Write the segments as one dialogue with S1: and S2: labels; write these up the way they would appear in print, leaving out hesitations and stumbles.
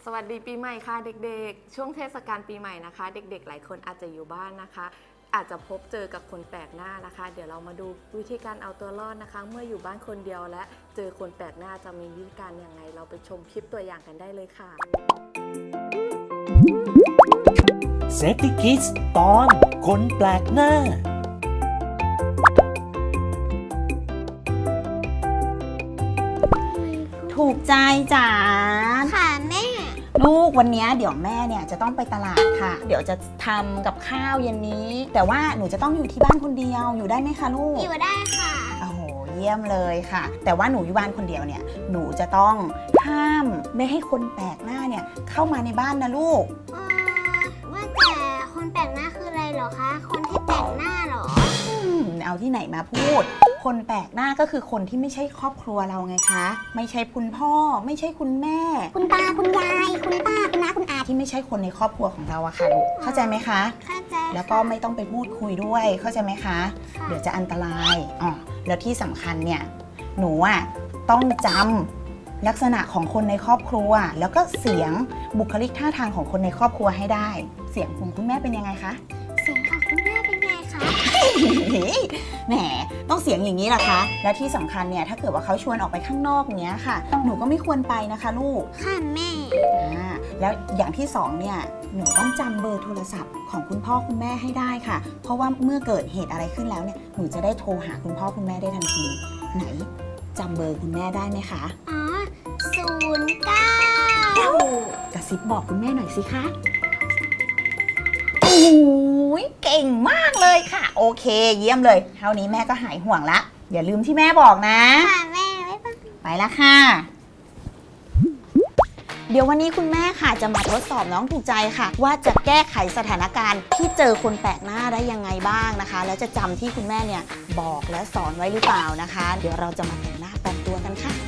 S1: สวัสดีปีใหม่ค่ะเด็กๆช่วงเทศกาลปีใหม่นะคะเด็กๆหลายคนอาจจะอยู่บ้านนะคะอาจจะพบเจอกับคนแปลกหน้านะคะเดี๋ยวเรามาดูวิธีการเอาตัวรอดนะคะเมื่ออยู่บ้านคนเดียวและเจอคนแปลกหน้าจะมีวิธีการอย่างไรเราไปชมคลิปตัวอย่างกันได้เลยค่ะ
S2: Safety Kids ตอนคนแปลกหน้า
S3: ถูกใจจ๋า
S4: ค่ะแม่
S3: ลูกวันนี้เดี๋ยวแม่เนี่ยจะต้องไปตลาดค่ะเดี๋ยวจะทำกับข้าวเย็นนี้ แต่ว่าหนูจะต้องอยู่ที่บ้านคนเดียวอยู่ได้ไหมคะลูก
S4: อยู่ได้ค่ะ
S3: โอ้โหเยี่ยมเลยค่ะแต่ว่าหนูอยู่บ้านคนเดียวเนี่ยหนูจะต้องห้ามไม่ให้คนแปลกหน้าเนี่ยเข้ามาในบ้านนะลูก
S4: ว่าแต่คนแปลกหน้าคืออะไรเหรอคะคนที่แปลกหน้าเหรอ
S3: เอาที่ไหนมาพูดคนแปลกหน้าก็คือคนที่ไม่ใช่ครอบครัวเราไงคะไม่ใช่คุณพ่อไม่ใช่คุณแม่
S4: คุณตาคุณยายคุณป้าคุณน้าคุณอา
S3: ที่ไม่ใช่คนในครอบครัวของเราอะค่ะลูกเข้าใจไหมคะ
S4: เข้าใจ
S3: แล้วก็ไม่ต้องไปพูดคุยด้วยเข้าใจไหมคะเดี๋ยวจะอันตรายอ๋อแล้วที่สำคัญเนี่ยหนูอะต้องจำลักษณะของคนในครอบครัวแล้วก็เสียงบุคลิกท่าทางของคนในครอบครัวให้ได้เสียงของคุณแม่เป็นยังไงคะ
S4: เสียงของคุณแม่เป็นไงคะ
S3: แหมต้องเสียงอย่างนี้ล่ะคะและที่สำคัญเนี่ยถ้าเกิดว่าเขาชวนออกไปข้างนอกเนี้ยค่ะหนูก็ไม่ควรไปนะคะลูก
S4: ค่ะแม่
S3: แล้วอย่างที่สองเนี่ยหนูต้องจำเบอร์โทรศัพท์ของคุณพ่อคุณแม่ให้ได้ค่ะเพราะว่าเมื่อเกิดเหตุอะไรขึ้นแล้วเนี่ยหนูจะได้โทรหาคุณพ่อคุณแม่ได้ทันทีไหนจำเบอร์คุณแม่ได้ไหมคะ
S4: อ๋อ09
S3: กระซิบบอกคุณแม่หน่อยสิคะโอ้ยเก่งมากเลยค่ะโอเคเยี่ยมเลยเท่านี้แม่ก็หายห่วงละอย่าลืมที่แม่บอกนะ
S4: ค่ะแม่
S3: ไปละค่ะเดี๋ยววันนี้คุณแม่ค่ะจะมาทดสอบน้องถูกใจค่ะว่าจะแก้ไขสถานการณ์ที่เจอคนแปลกหน้าได้ยังไงบ้างนะคะแล้วจะจำที่คุณแม่เนี่ยบอกและสอนไว้หรือเปล่านะคะเดี๋ยวเราจะมาแต่งหน้าแต่งตัวกันค่ะ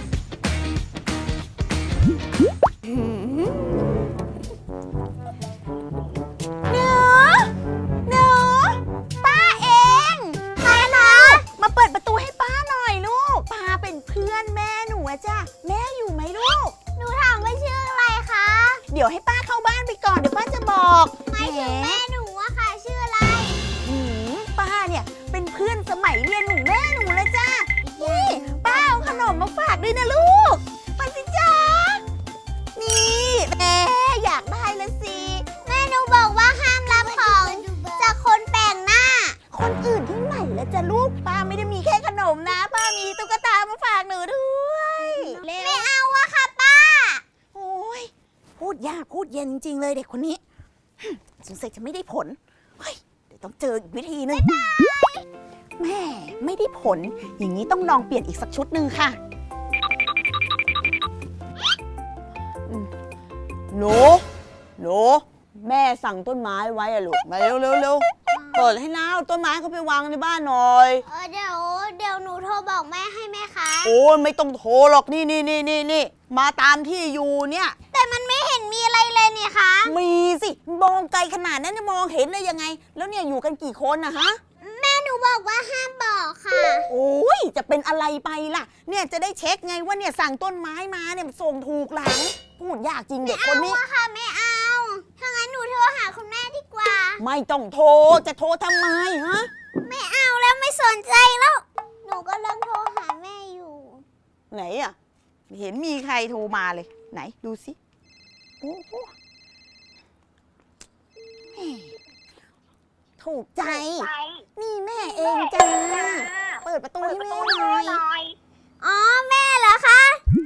S3: หนูป้าเองใครนะมาเปิดประตูให้ป้าหน่อยลูกป้าเป็นเพื่อนแม่หนูอะจ้ะแม่อยู่ไหมลูก
S4: หนูถามว่าชื่ออะไรคะ
S3: เดี๋ยวให้ป้าเข้าบ้านไปก่อนเดี๋ยวป้าจะบอก
S4: ไม่ถึงแม่หนูอะค่ะชื่ออะไร
S3: ป้าเนี่ยเป็นเพื่อนสมัยเรียนของแม่หนูเลยจ้ะนี่ป้าเอาขนมมาฝากด้วยนะลูกไปสิจ้านี่แม่อยากได้ละสิ
S4: แม่หนูบอกว่าห้ามรับของจากคนแปลกหน้า
S3: คนอื่นที่ไหนแล้วจ้ะลูกป้าไม่ได้มีแค่ขนมนะป้ามีตุ๊กตามาฝากหนูด้วย
S4: ไม่เอาอะค่ะป้า
S3: โอ้ยพูดยากพูดเย็นจริงๆเลยเด็กคนนี้สงสัยจะไม่ได้ผลเฮ้ยเดี๋ยวต้องเจออีกวิธีนึงแม่ไม่ได้ผลอย่างนี้ต้องลองเปลี่ยนอีกสักชุดหนึ่งค่ะ
S5: หนูแม่สั่งต้นไม้ไว้อะลูกมาเร็วเปิดให้น้าเอาต้นไม้เขาไปวางในบ้านหน่อย
S4: เดี๋ยวหนูโทรบอกแม่ให้ไหมคะ
S5: โอ้ยไม่ต้องโทรหรอกนี่มาตามที่อยู่เนี่ย
S4: แต่มันไม่เห็นมีอะไรเลยนี่คะ
S5: มีสิมองไกลขนาดนั้นจะมองเห็นได้ยังไงแล้วเนี่ยอยู่กันกี่คนนะฮะ
S4: แม่หนูบอกว่าห้ามบอกค่ะ
S5: โอ้ยจะเป็นอะไรไปล่ะเนี่ยจะได้เช็คไงว่าเนี่ยสั่งต้นไม้มาเนี่ยส่งถูกหลังพูดยากจริงเด็กคนนี้
S4: ไม่เอาค่ะไม่เอาถ้างั้นหนูโทรหาคุณแม่ดีกว่า
S5: ไม่ต้องโทรจะโทรทำไมฮะ
S4: ไม่เอาแล้วไม่สนใจแล้วหนูก็เริ่มโทรหาแม่อยู่
S5: ไหนอ่ะไม่เห็นมีใครโทรมาเลยไหนดูสิโอ้โห
S3: ถูกใจนี่แม่เองจ้าเปิดประตูให้แม่หน่อย
S4: อ๋อแม่เหรอคะ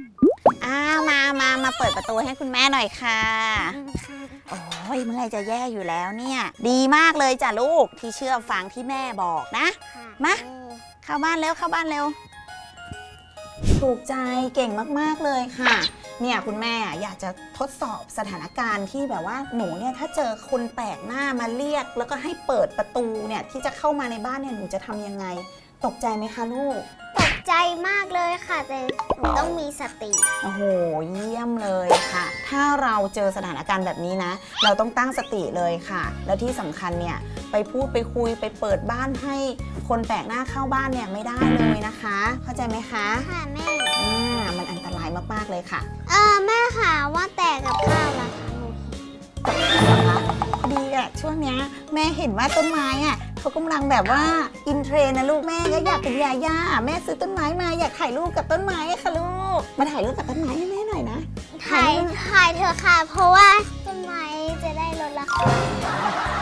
S3: มาเปิดประตูให้คุณแม่หน่อยค่ะโอ้ยเมื่อไรจะแย่อยู่แล้วเนี่ยดีมากเลยจ้ะลูกที่เชื่อฟังที่แม่บอกนะมาเข้าบ้านเร็วถูกใจเก่งมากๆเลยค่ะเนี่ยคุณแม่อยากจะทดสอบสถานการณ์ที่แบบว่าหนูเนี่ยถ้าเจอคนแปลกหน้ามาเรียกแล้วก็ให้เปิดประตูเนี่ยที่จะเข้ามาในบ้านเนี่ยหนูจะทำยังไงตกใจไหมคะลูก
S4: ตกใจมากเลยค่ะแต่หนูต้องมีสติ
S3: โอ้โหเยี่ยมเลยค่ะถ้าเราเจอสถานการณ์แบบนี้นะเราต้องตั้งสติเลยค่ะแล้วที่สำคัญเนี่ยไปพูดไปคุยไปเปิดบ้านให้คนแปลกหน้าเข้าบ้านเนี่ยไม่ได้เลยนะคะเข้าใจไหมคะ
S4: ค่ะแม่
S3: มันอันตรายมากๆเลยค่ะ
S4: แม่ค่ะว่าแต่กับข้าวล่ะ
S3: ม่เห็นว่าต้นไม้อ่ะเขากำลังแบบว่าอินเทรนด์นะลูกแม่ก็อยากเป็นยาย่าแม่ซื้อต้นไม้มาอยากถ่ายรูปกับต้นไม้ค่ะลูกมาถ่ายรูปกับต้นไม้ให้แม่หน่อยนะ
S4: ถ่ายเถอะค่ะ เพราะว่าต้นไม้จะได้ลดราคา